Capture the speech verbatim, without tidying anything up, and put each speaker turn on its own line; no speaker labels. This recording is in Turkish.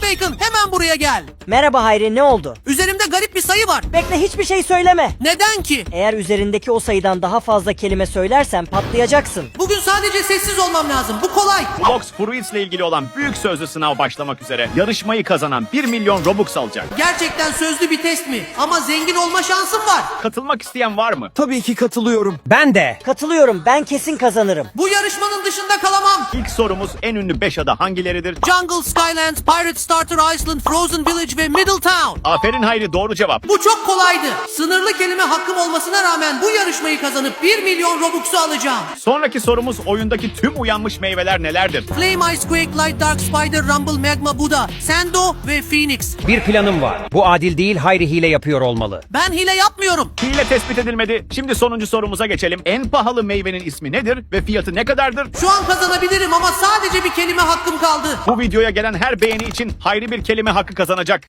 Hey Bacon, hemen buraya gel.
Merhaba Hayri, ne oldu?
Üzerimde garip bir sayı var.
Bekle, hiçbir şey söyleme.
Neden ki?
Eğer üzerindeki o sayıdan daha fazla kelime söylersen patlayacaksın.
Bugün sadece sessiz olmam lazım. Bu kolay.
Blox Fruits ile ilgili olan büyük sözlü sınav başlamak üzere. Yarışmayı kazanan bir milyon Robux alacak.
Gerçekten sözlü bir test mi? Ama zengin olma şansım var.
Katılmak isteyen var mı?
Tabii ki katılıyorum.
Ben de.
Katılıyorum, ben kesin kazanırım.
Bu yarışmanın dışında kalamam.
İlk sorumuz en ünlü beş ada hangileridir?
Jungle, Skylands, Pirate Starter Island, Frozen Village ve Middletown.
Aferin Hayri, doğru cevap.
Bu çok kolaydı. Sınırlı kelime hakkım olmasına rağmen bu yarışmayı kazanıp bir milyon Robux'u alacağım.
Sonraki sorumuz oyundaki tüm uyanmış meyveler nelerdir?
Flame, Ice, Quake, Light, Dark, Spider, Rumble, Magma, Buddha, Sando ve Phoenix.
Bir planım var. Bu adil değil, Hayri hile yapıyor olmalı.
Ben hile yapmıyorum.
Hile tespit edilmedi. Şimdi sonuncu sorumuza geçelim. En pahalı meyvenin ismi nedir ve fiyatı ne kadardır?
Şu an kazanabilirim ama sadece bir kelime hakkım kaldı.
Bu videoya gelen her beğeni için Hayri bir kelime hakkı kazanacak.